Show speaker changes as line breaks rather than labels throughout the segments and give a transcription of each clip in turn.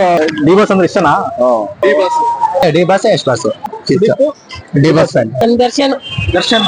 D boss ಅಂದ್ರೆ ಇಷ್ಟನಾ?
D boss
D boss ಎಷ್ಟು boss? D boss fan.
Darshan
Darshan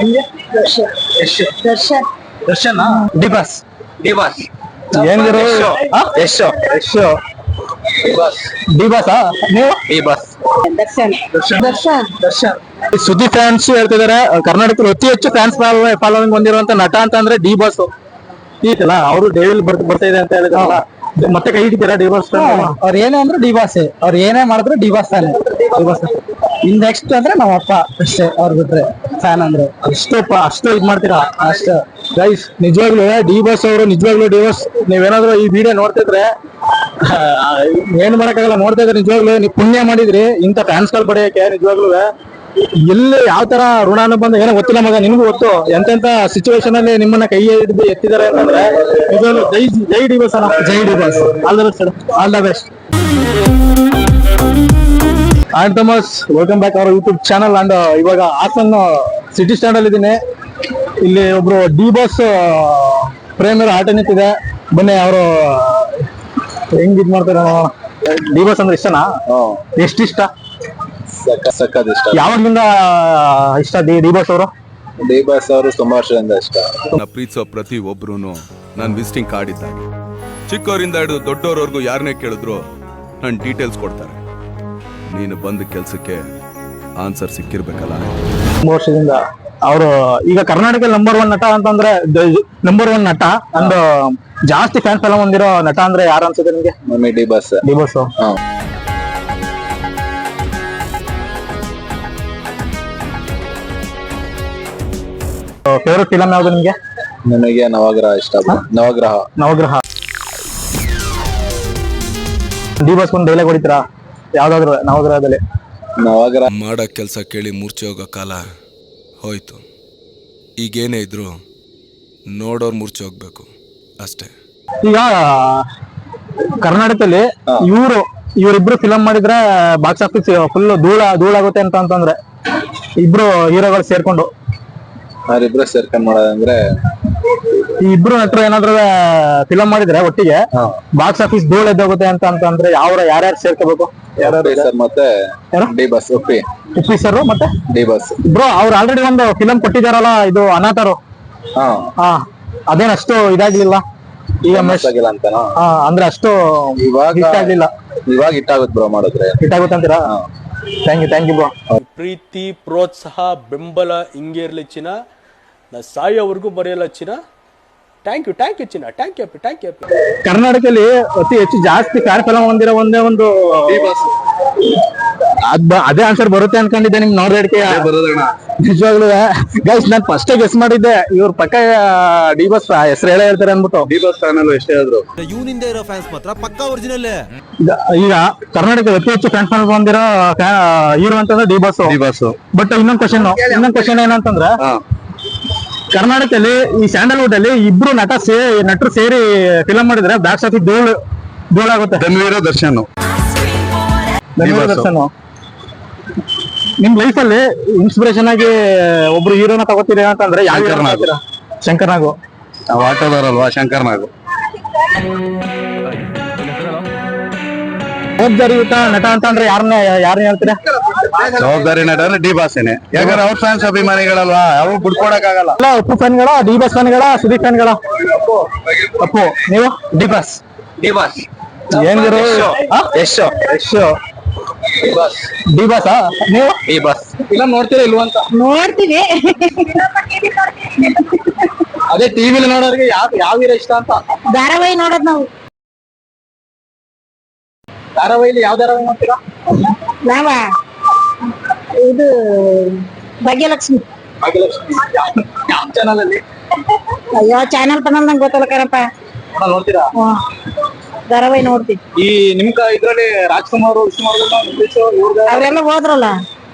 Darshan
Darshan
D boss.
D boss
ಏನಿದ್ರು
Yash
D boss ನೀವು?
D boss
Darshan Darshan
Darshan
ಸುದ್ದಿ ಫ್ಯಾನ್ಸ್ ಹೇಳ್ತಿದಾರೆ ಕರ್ನಾಟಕದಲ್ಲಿ ಅತಿ ಹೆಚ್ಚು ಫ್ಯಾನ್ಸ್ ಫಾಲೋವಿಂಗ್ ಹೊಂದಿರುವಂತ ನಟ ಅಂತ ಅಂದ್ರೆ ಡಿ ಬಾಸ್ ಈತಲ್ಲ. ಅವರು ಡೇವಿಲ್ ಬರ್ತಾ ಇದೆ ಅಂತ ಹೇಳಿದ್ರಲ್ಲ, ಮತ್ತೆ ಕೈ ಹಿಡಿತೀರಾ ಡಿ ಬಾಸ್?
ಅವ್ರ ಏನೇ ಅಂದ್ರೆ ಡಿ ಬಾಸ್, ಅವ್ರ ಏನೇ ಮಾಡಿದ್ರು ಡಿ ಬಾಸ್ ತಾನೆ.
ಡಿ ಬಾಸ್
ಇನ್ ನೆಕ್ಸ್ಟ್ ಅಂದ್ರೆ ನಮ್ಮ ಅಪ್ಪ ಅಷ್ಟೇ, ಅವ್ರ ಬಿಟ್ರೆ ಫ್ಯಾನ್ ಅಂದ್ರೆ
ಅಷ್ಟು ಇದ್ ಮಾಡ್ತೀರಾ?
ಅಷ್ಟೇ.
ಗೈಸ್ ನಿಜವಾಗ್ಲೂ ಡಿ ಬಾಸ್ ಅವರು ನಿಜವಾಗ್ಲೂ ಡಿ ಬಾಸ್ ನೀವೇನಾದ್ರು ಈ ವಿಡಿಯೋ ನೋಡ್ತಿದ್ರೆ ಏನ್ ಮಾಡಕ್ಕಾಗಲ್ಲ, ನೋಡ್ತಾ ಇದ್ರೆ ನಿಜವಾಗ್ಲೂ ನೀವು ಪುಣ್ಯ ಮಾಡಿದ್ರಿ ಇಂತ ಫ್ಯಾನ್ಸ್ ಗಳು ಪಡೆಯಕ್ಕೆ. ನಿಜವಾಗ್ಲೂ ಎಲ್ಲಿ ಯಾವ ತರ ಋಣಾನುಬಂಧ ಏನೋ ಗೊತ್ತಿಲ್ಲ ಮಗ, ನಿನ್ಗೂ ಗೊತ್ತು ಎಂತೆಂತ ಸಿಚುವೇಶನ್ ಅಲ್ಲಿ ನಿಮ್ಮನ್ನ ಕೈ ಹಿಡಿದು ಎತ್ತಿದ್ದಾರೆ ಅಂತಂದ್ರೆ ನಿಜವಾಗ್ಲೂ ಜೈ ಡಿ ಬಾಸ್ ಅಣ್ಣ, ಜೈ D boss. All the best, all the best. And Thomas, welcome back our YouTube channel. And ಇವಾಗ ಹಾಸನ್ ಸಿಟಿ ಸ್ಟ್ಯಾಂಡ್ ಅಲ್ಲಿ ಇದ್ದೀನಿ. ಇಲ್ಲಿ ಒಬ್ರು ಡಿ ಬಾಸ್ ಪ್ರೇಮಿಯರ್ ಆಟ ನಿಂತಿದೆ. ಬನ್ನಿ ಅವರು ಹೆಂಗ್ ಇದ್ ಮಾಡ್ತಾರೆ. ಡಿ ಬಾಸ್ ಅಂದ್ರೆ ಇಷ್ಟನಾ? ಎಷ್ಟಿಷ್ಟ?
ಸಕ್ಕತ್ ಇಷ್ಟ.
ಯಾವಾಗ್ಲಿಂದ ಇಷ್ಟ ಡಿ ಬಾಸ್ ಅವರು?
ಡಿ ಬಾಸ್ ಅವರು ತುಂಬಾ ವರ್ಷದಿಂದ ಇಷ್ಟ.
ಪ್ರೀತಿಸೋ ಪ್ರತಿ ಒಬ್ರು ನನ್ನ ವಿಸಿಟಿಂಗ್ ಕಾರ್ಡ್ ಇದ್ದಾಗ, ಚಿಕ್ಕವರಿಂದ ಹಿಡಿದು ದೊಡ್ಡವರವರೆಗೂ ಯಾರನ್ನೇ ಕೇಳಿದ್ರು ನನ್ನ ಡೀಟೇಲ್ಸ್ ಕೊಡ್ತಾರೆ. ನೀನು ಬಂದ ಕೆಲ್ಸಕ್ಕೆ ಆನ್ಸರ್ ಸಿಕ್ಕಿರ್ಬೇಕಲ್ಲ.
ತುಂಬಾ ವರ್ಷದಿಂದ ಅವರು ಈಗ ಕರ್ನಾಟಕ ನಂಬರ್ 1 ನಟ ಅಂತಂದ್ರೆ ನಂಬರ್ 1 ನಟ ಅಂಡ್ ಜಾಸ್ತಿ ಫ್ಯಾನ್ಸ್ ಎಲ್ಲ ಹೊಂದಿರೋ ನಟ ಅಂದ್ರೆ ಯಾರು ಅನ್ಸುತ್ತೆ ನಿಮ್ಗೆ?
Mummy D boss.
D boss. Favourite film ಯಾವ್ದು ನಿಮ್ಗೆ?
ನನಗೆ ನವಗ್ರಹ ಇಷ್ಟ.
ನವಗ್ರಹ. ಡಿ ಬಾಸ್ ಒಂದು ಡೈಲಾಗ್ ಹೊಡಿತೀರಾ ಯಾವ್ದಾದ್ರು ನವಗ್ರಹದಲ್ಲಿ?
ನವಗ್ರಹ
ಮಾಡೋ ಕೆಲಸ ಕೇಳಿ ಮೂರ್ಛೆ ಹೋಗೋ ಕಾಲ ಹೋಯ್ತು. ಈಗೇನೇ ಇದ್ರು ನೋಡೋರ್ ಮೂರ್ಛೆ ಹೋಗ್ಬೇಕು ಅಷ್ಟೇ.
ಈಗ ಕರ್ನಾಟಕದಲ್ಲಿ ಇವರಿಬ್ರು ಫಿಲಂ ಮಾಡಿದ್ರೆ ಬಾಕ್ಸ್ ಆಫೀಸ್ ಫುಲ್ ಧೂಳಾಗುತ್ತೆ ಅಂತಂದ್ರೆ ಇಬ್ರು ಹೀರೋಗಳು ಸೇರ್ಕೊಂಡು
ಅವರಿಬ್ರು ಸೇರ್ಕೊಂಡ್ ಮಾಡೋದಂದ್ರೆ
ಈ ಇಬ್ರು ನಟರು ಏನಾದ್ರು ಫಿಲಂ ಮಾಡಿದ್ರೆ ಒಟ್ಟಿಗೆ ಬಾಕ್ಸ್ ಆಫೀಸ್ ಧೂಳ ಎದ್ದೋಗುತ್ತೆ ಅಂತಂದ್ರೆ ಯಾರ್ಯಾರು ಸೇರ್ಕೋಬೇಕು?
ಸರ್ ಮತ್ತೆ ಡಿ ಬಾಸ್. ಉಪ್ಪಿ
ಸರ್ ಮತ್ತೆ
ಡಿ ಬಾಸ್.
ಬ್ರೋ ಅವ್ರು ಆಲ್ರೆಡಿ ಒಂದು ಫಿಲಂ ಕೊಟ್ಟಿದಾರಲ್ಲ, ಇದು ಅನಾಥರು. ಅದೇನಷ್ಟು ಇದಾಗ್ಲಿಲ್ಲ ಈಗ
ಆಗಿಲ್ಲ ಅಂತನಾ?
ಅಂದ್ರೆ ಅಷ್ಟು
ಇವಾಗ
ಇಷ್ಟ ಆಗ್ಲಿಲ್ಲ.
ಇವಾಗ ಇಟ್ಟಾಗುತ್ತೆ ಬ್ರೋ ಮಾಡಿದ್ರೆ.
ಇಟ್ಟಾಗುತ್ತೆ ಅಂತೀರಾ? Thank you bro.
ಪ್ರೀತಿ, ಪ್ರೋತ್ಸಾಹ, ಬೆಂಬಲ ಹಿಂಗೆ ಇರ್ಲಿ ಚಿನ್ನ. ನಾ ಸಾಯೋವರೆಗೂ ಮರೆಯಲ್ಲ ಚಿನ್ನ. ಥ್ಯಾಂಕ್ ಯು ಚಿನ್ನ. Thank you.
ಕರ್ನಾಟಕದಲ್ಲಿ ಅತಿ ಹೆಚ್ಚು ಜಾಸ್ತಿ ಫ್ಯಾನ್ ಫಿಲಂ ಹೊಂದಿರೋ ಒಂದೇ ಒಂದು ಅದೇ ಆನ್ಸರ್ ಬರುತ್ತೆ ಅನ್ಕೊಂಡಿದ್ದೆ ನಿಮ್ ನೋಡ್ದಕ್ಕೆ. ನಿಜವಾಗ್ಲೂ ಗೈಸ್ ನಾನ್ ಫಸ್ಟ್ ಗೆಸ್ ಮಾಡಿದ್ದೆ ಇವ್ರ ಪಕ್ಕ ಡಿ ಬಾಸ್ ಹೆಸರು ಹೇಳ್ತಾರೆ ಅನ್ಬಿಟ್ಟು.
ಡಿ ಬಾಸ್ ಚಾನಲ್ ಎಷ್ಟೇ ಆದ್ರು
ಇವನಿಂದ ಇರೋ ಫ್ಯಾನ್ಸ್ ಮಾತ್ರ ಪಕ್ಕಾ ಒರಿಜಿನಲ್.
ಈಗ ಕರ್ನಾಟಕದ ಅತಿ ಹೆಚ್ಚು ಫ್ಯಾನ್ ಫಿಲಂ ಹೊಂದಿರೋ ಹೀರೋ ಅಂತಂದ್ರೆ ಡಿ ಬಾಸ್. ಬಟ್ ಇನ್ನೊಂದ್ ಕ್ವಶನ್ ಏನಂತಂದ್ರೆ, ಕರ್ನಾಟಕದಲ್ಲಿ ಈ ಸ್ಯಾಂಡಲ್ವುಡ್ ಅಲ್ಲಿ ಇಬ್ರು ನಟರು ಸೇರಿ ಫಿಲಂ ಮಾಡಿದ್ರೆ ಬಾಕ್ಸ್ ಆಫೀಸ್ ಧೂಳಾಗುತ್ತೆ.
ದರ್ಶನ್.
ನಿಮ್ ಲೈಫ್ ಅಲ್ಲಿ ಇನ್ಸ್ಪಿರೇಷನ್ ಆಗಿ ಒಬ್ರು ಹೀರೋನ ತಗೋತೀರಿ ಅಂತಂದ್ರೆ ಯಾವ? ಶಂಕರ್ ನಾಗು.
ಆಟೋದವರಲ್ವಾ ಶಂಕರ್ ನಾಗು.
ಜವಾಬ್ದಾರಿಯುತ ನಟ ಅಂತಂದ್ರೆ ಯಾರನ್ನ ಹೇಳ್ತೀರಾ?
ಜವಾಬ್ದಾರಿ ನಟ ಅಂದ್ರೆ ಡಿ ಬಾಸ್ನೇ. ಯಾಕಂದ್ರೆ ಅವ್ರ ಫ್ಯಾನ್ಸ್ ಅಭಿಮಾನಿಗಳಲ್ವಾ, ಯಾವ ಬಿಡ್ಕೊಡಕ್ ಆಗಲ್ಲ.
ಉಪ್ಪು ಫ್ಯಾನ್ಗಳ, ಡಿ ಬಾಸ್ ಫ್ಯಾನ್ಗಳ, ಸುದೀಪ್ ಫ್ಯಾನ್ಗಳ? ಅಪ್ಪು. ನೀವು? D boss. ಏನಿದ್ರು
ಯಶ್.
D boss. ನೀವು?
D boss.
ಫಿಲಂ ನೋಡ್ತೀರಾ ಇಲ್ವಾ ಅಂತ?
ನೋಡ್ತೀವಿ.
ಅದೇ ಟಿವಿಲಿ ನೋಡೋರಿಗೆ ಯಾವ ಹೀರೋ ಇಷ್ಟ ಅಂತ?
ಧಾರಾವಾಹಿ ನೋಡೋದ್ ನಾವು.
ಧಾರಾವಾಹಿಲಿ ಯಾವ ಧಾರಾವಾಹಿ ನೋಡ್ತೀರಾ?
ನಾವ ಇದು ಭಾಗ್ಯಲಕ್ಷ್ಮಿ.
ಯಾವ ಚಾನಲ್ ಅಲ್ಲಿ?
ಯಾವ ಚಾನಲ್ ಪನಲ್ ನಂಗೆ ಗೊತ್ತಲ್ಲ ಕಣಪ್ಪ.
ನೋಡ್ತೀರಾ?
ಧಾರಾವಾಹಿ ನೋಡ್ತೀವಿ.
ಈ ನಿಮ್ ಇದ್ರಲ್ಲಿ ರಾಜ್ಕುಮಾರ್, ವಿಷ್ಣುವರ್ಧನ್
ಅವ್ರೆಲ್ಲ ಹೋದ್ರಲ್ಲ.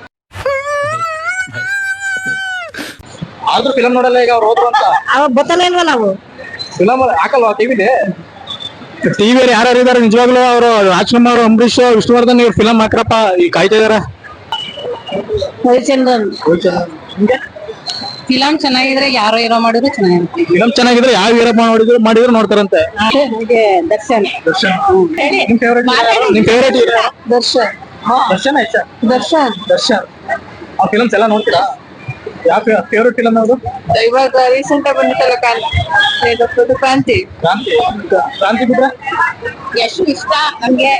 ಆದ್ರೂ ಫಿಲಂ ನೋಡಲ್ಲ ಈಗ ಅವ್ರು ಹೋದ್ರು ಅಂತ?
ಅವಾಗ ಗೊತ್ತಲ್ಲ ಇಲ್ವಲ್ಲ ನಾವು.
ಫಿಲಂ ಹಾಕಲ್ವಾ ಟಿವಿಲಿ? ಟಿವಿಯಲ್ಲಿ ಯಾರ್ಯಾರು ಇದಾರೆ ನಿಜವಾಗ್ಲೂ ಅವರು? ರಾಜ್ಕುಮಾರ್, ಅಂಬರೀಶ್, ವಿಷ್ಣುವರ್ಧನ್ ಇವ್ರು ಫಿಲಂ ಹಾಕ್ರಪ್ಪ ಈ ಕಾಯ್ತಾ ಇದಾರೆ.
ರವಿಚಂದ್ರನ್. ಫಿಲಂ ಚೆನ್ನಾಗಿದ್ರೆ ಯಾರೋ ಏನೋ ಮಾಡಿದ್ರು ಚೆನ್ನಾಗಿರುತ್ತೆ.
ಫಿಲಂ ಚೆನ್ನಾಗಿದ್ರೆ ಯಾವ ಹೀರೋ ಮಾಡಿದ್ರು ನೋಡ್ತಾರಂತೆ.
ಹಾಗೆ ದರ್ಶನ್.
ನಿಮ್ ಫೇವರೇಟ್ ಹೀರೋ
ದರ್ಶನ್.
ದರ್ಶನ ಇಷ್ಟ.
ದರ್ಶನ್.
ಆ ಫಿಲಮ್ಸ್ ಎಲ್ಲ ನೋಡ್ತೀರಾ? ಯಾವ ಫೇವರೇಟ್ ಫಿಲಮ್ ಯಾವುದು?
ಇವಾಗ ರೀಸೆಂಟ್ ಆಗಿ ಬಂದಿತ್ತಲ್ಲ ಕ್ರಾಂತಿ.
ಕ್ರಾಂತಿ ಬಿಟ್ರೆ
ಎಷ್ಟು ಇಷ್ಟ ನಮ್ಗೆ.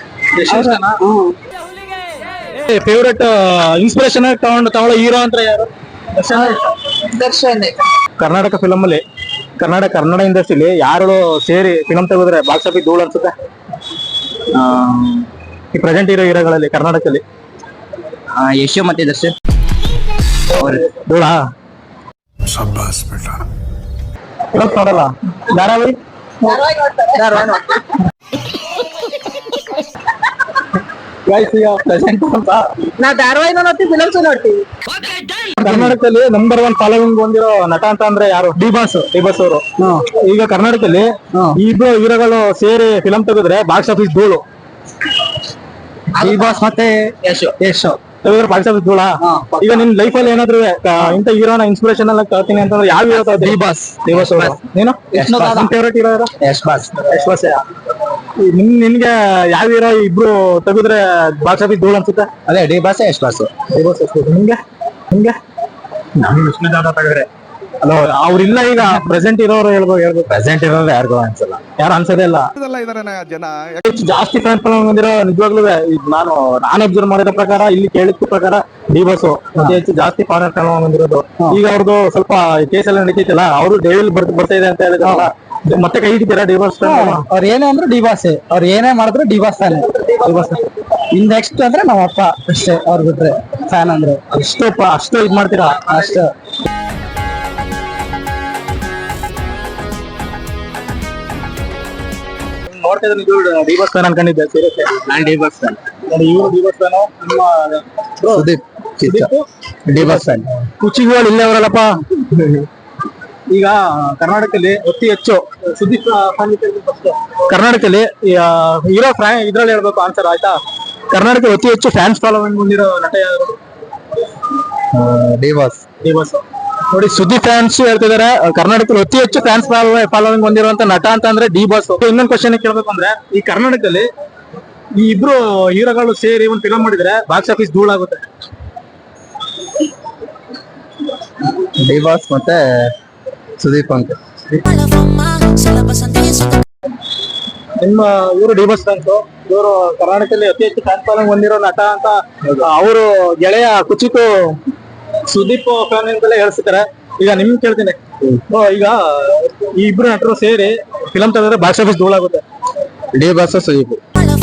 ಫೇವರೇಟ್ ಇನ್ಸ್ಪಿರೇಷನ್ ತಗೊಳ್ಳೋ ಹೀರೋ ಅಂದ್ರೆ ಯಾರು?
ದರ್ಶನ್.
ಕರ್ನಾಟಕ ಫಿಲಮ್ ಅಲ್ಲಿ ಕನ್ನಡ ಇಂಡಸ್ಟ್ರಿಲಿ ಯಾರು ಸೇರಿ ಫಿಲಂ ತೆಗೆದ್ರೆ ಬಾಕ್ಸ್ ಆಫೀಸ್ ಧೂಳು ಅನ್ಸುತ್ತೆ? ಈ ಪ್ರೆಸೆಂಟ್ ಹೀರೋಗಳಲ್ಲಿ ಕರ್ನಾಟಕದಲ್ಲಿ
ಯಶು ಮತ್ತೆ ದರ್ಶನ್
ಧೂಳಾ? ಫಿಲಮ್ಸ್ ನೋಡಲ್ಲ? ಧಾರಾವಾಹಿ ಪ್ರೆಸೆಂಟ್ ಅಂತ
ನಾ ಧಾರಾವಾಹಿನ ನೋಡ್ತೀವಿ, ಫಿಲಮ್ಸ್ ನೋಡ್ತೀವಿ.
ಕರ್ನಾಟಕದಲ್ಲಿ ನಂಬರ್ 1 ಫಾಲೋವಿಂಗ್ ಹೊಂದಿರೋ ನಟ ಅಂತ ಅಂದ್ರೆ ಯಾರು? ಡಿ ಬಾಸ್ ಅವರು. ಈಗ ಕರ್ನಾಟಕದಲ್ಲಿ ಈ ಇಬ್ರು ಹೀರೋಗಳು ಸೇರಿ ಫಿಲಂ ತೆಗೆದ್ರೆ ಬಾಕ್ಸ್ ಆಫೀಸ್ ಧೂಳು.
ಡಿ ಬಾಸ್ ಮತ್ತೆ ಯಶು
ತೆಗೆದ್ರೆ ಬಾಕ್ಸ್ ಆಫೀಸ್ ಧೂಳಾ? ಈಗ ನಿನ್ ಲೈಫ್ ಅಲ್ಲಿ ಏನಾದ್ರು ಇಂತ ಹೀರೋನ ಇನ್ಸ್ಪಿರೇಷನ್ ಎಲ್ಲ ತರ್ತೀನಿ ಅಂತಂದ್ರೆ ಯಾವ ಹೀರೋ ತಗೋತೀರಿ? ಡಿ ಬಾಸ್ ಅವರು. ನೀನು ಫೇವರೇಟ್ ಹೀರೋ ಯಾರು?
ಯಶ್ ಬಾಸ್.
ನಿನ್ಗೆ ಯಾವ ಹೀರೋ ಇಬ್ರು ತೆಗೆದ್ರೆ ಬಾಕ್ಸ್ ಆಫೀಸ್ ಧೂಳು ಅನ್ಸುತ್ತೆ?
ಅದೇ ಡಿ ಬಾಸ್ ಯಶ್ ಬಾಸ್.
ನಿಮ್ಗೆ ವಿಷ್ಣುದಾದ ತೆಗೆದ್ರೆ ಅಲ್ಲ ಅವ್ರಿಲ್ಲ. ಈಗ ಪ್ರೆಸೆಂಟ್ ಇರೋರು ಹೇಳ್ಬೇಕು.
ಪ್ರೆಸೆಂಟ್ ಇರೋರು ಯಾರಿಗೂ ಅನ್ಸಲ್ಲ,
ಯಾರು ಅನ್ಸೋದೇ ಇಲ್ಲ. ಜಾಸ್ತಿ ಫ್ಯಾನ್ ಫಾಲೋವಿಂಗ್ ಹೊಂದಿರೋ ನಿಜವಾಗ್ಲೂ ನಾನು ಅಬ್ಸರ್ವ್ ಮಾಡಿರೋ ಪ್ರಕಾರ, ಇಲ್ಲಿ ಕೇಳಿದ ಪ್ರಕಾರ ಡಿ ಬಾಸ್ ಅತಿ ಹೆಚ್ಚು ಜಾಸ್ತಿ ಫ್ಯಾನ್ ಫಾಲೋವಿಂಗ್ ಹೊಂದಿರೋದು. ಈಗ ಅವ್ರದ್ದು ಸ್ವಲ್ಪ ಕೇಸ್ ಎಲ್ಲ ನಡೀತೈತಲ್ಲ, ಅವರು ಡೇವಿಲ್ ಬರ್ತಾ ಇದೆ ಅಂತ ಹೇಳಿದ್ರಲ್ಲ, ಮತ್ತೆ ಕೈ ಹಿಡಿತೀರಾ ಡಿ ಬಾಸ್?
ಅವ್ರ ಏನೇ ಅಂದ್ರೆ ಡಿ ಬಾಸ್, ಅವ್ರ ಏನೇ ಮಾಡಿದ್ರು ಡಿ ಬಾಸ್ ತಾನೆ.
ಡಿ ಬಾಸ್
ಇನ್ ನೆಕ್ಸ್ಟ್ ಅಂದ್ರೆ ನಮ್ಮ ಅಪ್ಪ ಅಷ್ಟೇ, ಅವ್ರ ಬಿಟ್ರೆ ಫ್ಯಾನ್ ಅಂದ್ರೆ
ಅಷ್ಟು ಇದ್ ಮಾಡ್ತೀರಾ?
ಅಷ್ಟು.
ನೋಡ್ತಾ ಇದ್ರೆ ನಿಜವಾಗ್ಲೂ ಡಿ ಬಾಸ್ ಫ್ಯಾನ್ ಅನ್ಕೊಂಡಿದ್ದೆ. ಸೀರಿಯಸ್
ನಾನ್ ಡಿ ಬಾಸ್ ಫ್ಯಾನ್.
ಇವರು ಡಿ ಬಾಸ್ ಫ್ಯಾನ್. ನಿಮ್ಮ
ಸುದೀಪ್ ಡಿ ಬಾಸ್ ಫ್ಯಾನ್.
ಕುಚಿಗಳು ಇಲ್ಲೇ ಅವರಲ್ಲಪ್ಪ. ಈಗ ಕರ್ನಾಟಕದಲ್ಲಿ ಅತಿ ಹೆಚ್ಚು ಸುದೀಪ್ ಕರ್ನಾಟಕದಲ್ಲಿ ಹೀರೋ ಇದ್ರಲ್ಲಿ ಹೇಳ್ಬೇಕು ಆನ್ಸರ್, ಆಯ್ತಾ? ಕರ್ನಾಟಕ ಅತಿ ಹೆಚ್ಚು ಫ್ಯಾನ್ಸ್ ಫಾಲೋವಿಂಗ್ ಹೊಂದಿರೋ ನಟ ಯಾರು?
D boss.
ನೋಡಿ, ಸುದೀಪ್ ಫ್ಯಾನ್ಸ್ ಹೇಳ್ತಿದಾರೆ ಕರ್ನಾಟಕದಲ್ಲಿ ಅತಿ ಹೆಚ್ಚು ಫ್ಯಾನ್ಸ್ ಫಾಲೋವಿಂಗ್ ಹೊಂದಿರುವಂತ ನಟ ಅಂತ ಅಂದ್ರೆ ಡಿ ಬಾಸ್. ಇನ್ನೊಂದು ಕ್ವಶನ್ ಕೇಳ್ಬೇಕು ಅಂದ್ರೆ, ಈ ಕರ್ನಾಟಕದಲ್ಲಿ ಈ ಇಬ್ರು ಹೀರೋಗಳು ಸೇರಿ ಒಂದು ಫಿಲಂ ಮಾಡಿದ್ರೆ ಬಾಕ್ಸ್ ಆಫೀಸ್ ಧೂಳಾಗುತ್ತೆ.
ಡಿ ಬಾಸ್ ಮತ್ತೆ ಸುದೀಪ್ ಅಂತ.
ನಿಮ್ಮ ಇವರು ಡಿ ಬಾಸ್ ಫ್ಯಾನ್ಸ್. ಇವರು ಕರ್ನಾಟಕದಲ್ಲಿ ಅತಿ ಹೆಚ್ಚು ಫ್ಯಾನ್ ಫಾಲೋವಿಂಗ್ ಹೊಂದಿರೋ ನಟ ಅಂತ ಅವರು ಗೆಳೆಯ ಕುಚಿತು ಸುದೀಪ್ ಫ್ಯಾನ್ ಅಂತೆಲ್ಲ ಹೇಳ್ತಿದ್ದಾರೆ. ಈಗ ನಿಮ್ ಕೇಳ್ತೀನಿ, ಈಗ ಈ ಇಬ್ರು ನಟರು ಸೇರಿ ಫಿಲಂ ತೆಗೆದ್ರೆ ಬಾಕ್ಸ್ ಆಫೀಸ್ ಧೂಳಾಗುತ್ತೆ.
ಡಿ ಬಾಸ್ ಸುದೀಪ್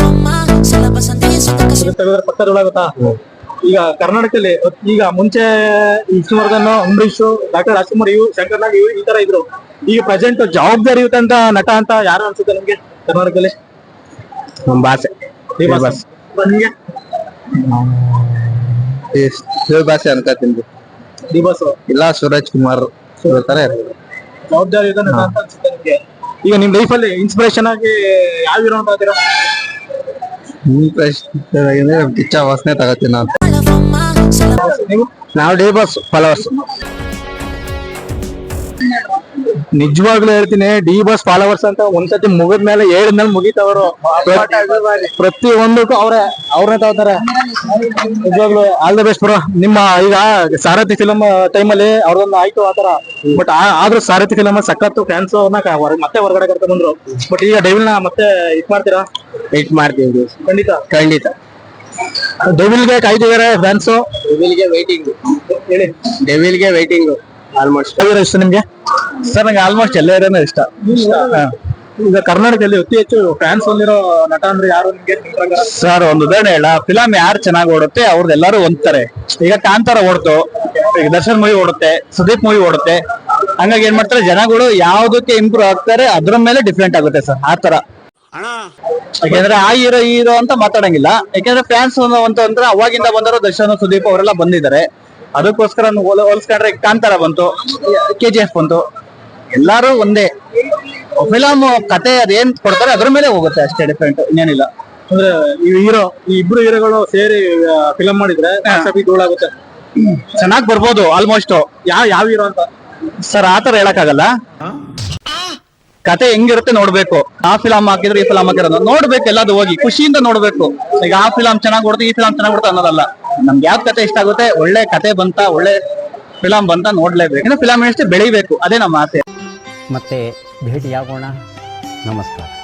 ತೆಗೆದ್ರೆ ಪಕ್ಕ ಧೂಳಾಗುತ್ತಾ? ಈಗ ಕರ್ನಾಟಕದಲ್ಲಿ ಈಗ ಮುಂಚೆ ವಿಷ್ಣುವರ್ಧನ್, ಅಂಬರೀಶ್, ಡಾಕ್ಟರ್ ರಾಜ್ಕುಮಾರ್, ಶಂಕರ್ ನಾಗ್ ಈ ತರ ಇದ್ರು. ಈಗ ಪ್ರೆಸೆಂಟ್ ಜವಾಬ್ದಾರಿಯುತ ನಟ ಅಂತ ಯಾರು ಅನ್ಸುತ್ತೆ ನಿಮ್ಗೆ ಕರ್ನಾಟಕದಲ್ಲಿ?
ಬಾಸೆ.
ನಿಮ್ಗೆ
ಬಾಸೆ ಅನ್ಕೋತೀನಿ.
ಡಿ ಬಾಸ್
ಇಲ್ಲ ಸೂರಜ್ ಕುಮಾರ್ ತರ ಇರ್ಬೋದು.
ಜವಾಬ್ದಾರಿಯುತ ನಟ ಅಂತ ಅನ್ಸುತ್ತೆ ನಿಮ್ಗೆ? ಈಗ ನಿಮ್ ಲೈಫ್ ಅಲ್ಲಿ ಇನ್ಸ್ಪಿರೇಷನ್ ಆಗಿ ಯಾವ ಹೀರೋ ಅಂತ ಇದ್ದೀರಾ?
ಕಿಚ್ಚ ವಾಸನೆ ತಗೋತೀನಿ ನಾನು.
ನೀವು?
ನಾವು ಡಿ ಬಾಸ್ ಫಾಲೋವರ್ಸ್.
ನಿಜವಾಗ್ಲೂ ಹೇಳ್ತೀನಿ, ಡಿ ಬಾಸ್ ಫಾಲೋವರ್ಸ್ ಅಂತ ಒಂದ್ಸತಿ ಮುಗಿದ್ಮೇಲೆ ಹೇಳಿದ್ಮೇಲೆ ಮುಗಿತವರು. ಪ್ರತಿ ಒಂದಕ್ಕೂ ಅವ್ರನ್ನೇ ತಗೋತಾರೆ. ನಿಜವಾಗ್ಲೂ ಆಲ್ ದ ಬೆಸ್ಟ್ ಬ್ರೋ. ನಿಮ್ಮ ಈಗ ಸಾರಥಿ ಫಿಲಂ ಟೈಮಲ್ಲಿ ಅವ್ರದೊಂದು ಆಯ್ತು ಆತರ, ಬಟ್ ಆದ್ರೂ ಸಾರಥಿ ಫಿಲಂ ಸಖತ್ತು ಫ್ಯಾನ್ಸ್ ಅವ್ರನ್ನ ಮತ್ತೆ ಹೊರಗಡೆ ಕರ್ಕೊಂಡ್ ಬಂದ್ರು. ಬಟ್ ಈಗ ಡೆವಿಲ್ ನ ಮತ್ತೆ ಇಟ್ ಮಾಡ್ತೀರಾ?
ವೇಟ್ ಮಾಡ್ತೀವಿ ಖಂಡಿತ.
ಡೆವಿಲ್ಗೆ ಕಾಯ್ತಿದಾರೆ ಫ್ಯಾನ್ಸ್.
ಡೆವಿಲ್ಗೆ ವೈಟಿಂಗ್.
ಹೇಳಿ.
ಡೆವಿಲ್ಗೆ ವೈಟಿಂಗ್. ಆಲ್ಮೋಸ್ಟ್
ಇಷ್ಟ ನಿಮ್ಗೆ?
ಸರ್ ನಂಗೆ ಆಲ್ಮೋಸ್ಟ್ ಎಲ್ಲ ಇರೋನೇ ಇಷ್ಟ.
ಈಗ ಕರ್ನಾಟಕದಲ್ಲಿ ಅತಿ ಹೆಚ್ಚು ಫ್ಯಾನ್ಸ್ ಹೊಂದಿರೋ ನಟ ಅಂದ್ರೆ ಯಾರು ನಿಮ್ಗೆ?
ಸರ್ ಒಂದು ಉದಾಹರಣೆ ಹೇಳ, ಫಿಲಂ ಯಾರು ಚೆನ್ನಾಗಿ ಓಡುತ್ತೆ ಅವ್ರದ್ದು ಎಲ್ಲರೂ ಹೊಂದ್ತಾರೆ. ಈಗ ಕಾಂತಾರ ಓಡ್ತು, ಈಗ ದರ್ಶನ್ ಮೂವಿ ಓಡುತ್ತೆ, ಸುದೀಪ್ ಮೂವಿ ಓಡುತ್ತೆ. ಹಂಗಾಗಿ ಏನ್ ಮಾಡ್ತಾರೆ ಜನಗಳು ಯಾವ್ದಕ್ಕೆ ಇಂಪ್ರೂವ್ ಆಗ್ತಾರೆ ಅದ್ರ ಮೇಲೆ ಡಿಫ್ರೆಂಟ್ ಆಗುತ್ತೆ ಸರ್. ಆ ತರ ಯಾಕೆಂದ್ರೆ ಆ ಹೀರೋ ಅಂತ ಮಾತಾಡಂಗಿಲ್ಲ. ಯಾಕೆಂದ್ರೆ ಫ್ಯಾನ್ಸ್ ಅಂದ್ರೆ ಅವಾಗಿಂದ ಬಂದರು ದರ್ಶನ್, ಸುದೀಪ್ ಅವರೆಲ್ಲ ಬಂದಿದ್ದಾರೆ. ಅದಕ್ಕೋಸ್ಕರ ಹೋಲಿಸ್ಕೊಂಡ್ರೆ ಕಾಂತಾರ ಬಂತು, KGF ಬಂತು, ಎಲ್ಲಾರು ಒಂದೇ. ಫಿಲಮ್ ಕತೆ ಅದೇನ್ ಕೊಡ್ತಾರೆ ಅದ್ರ ಮೇಲೆ ಹೋಗುತ್ತೆ ಅಷ್ಟೇ, ಡಿಫ್ರೆಂಟ್ ಇನ್ನೇನಿಲ್ಲ.
ಅಂದ್ರೆ ಈ ಇಬ್ರು ಹೀರೋಗಳು ಸೇರಿ ಫಿಲಂ ಮಾಡಿದ್ರೆ ಧೂಳಾಗುತ್ತೆ.
ಚೆನ್ನಾಗ್ ಬರ್ಬೋದು ಆಲ್ಮೋಸ್ಟ್. ಯಾವ ಹೀರೋ ಅಂತ ಸರ್ ಆತರ ಹೇಳಕ್ಕಾಗಲ್ಲ. ಕತೆ ಹೆಂಗಿರುತ್ತೆ ನೋಡ್ಬೇಕು. ಆ ಫಿಲಂ ಹಾಕಿದ್ರೆ ಈ ಫಿಲಂ ಹಾಕಿರೋದು ನೋಡ್ಬೇಕು, ಎಲ್ಲದು ಹೋಗಿ ಖುಷಿಯಿಂದ ನೋಡ್ಬೇಕು. ಈಗ ಆ ಫಿಲಂ ಚೆನ್ನಾಗ್ ಕೊಡುತ್ತೆ, ಈ ಫಿಲಂ ಚೆನ್ನಾಗ್ ಕೊಡುತ್ತೆ ಅನ್ನೋದಲ್ಲ. ನಮ್ಗೆ ಯಾವ್ದು ಕತೆ ಇಷ್ಟ ಆಗುತ್ತೆ, ಒಳ್ಳೆ ಕತೆ ಬಂತ, ಒಳ್ಳೆ ಫಿಲಂ ಬಂತ ನೋಡ್ಲೇಬೇಕು. ಇನ್ನು ಫಿಲಂ ಅಷ್ಟೇ ಬೆಳಿಬೇಕು, ಅದೇ ನಮ್ಮ ಆಸೆ.
ಮತ್ತೆ ಭೇಟಿಯಾಗೋಣ. ನಮಸ್ಕಾರ.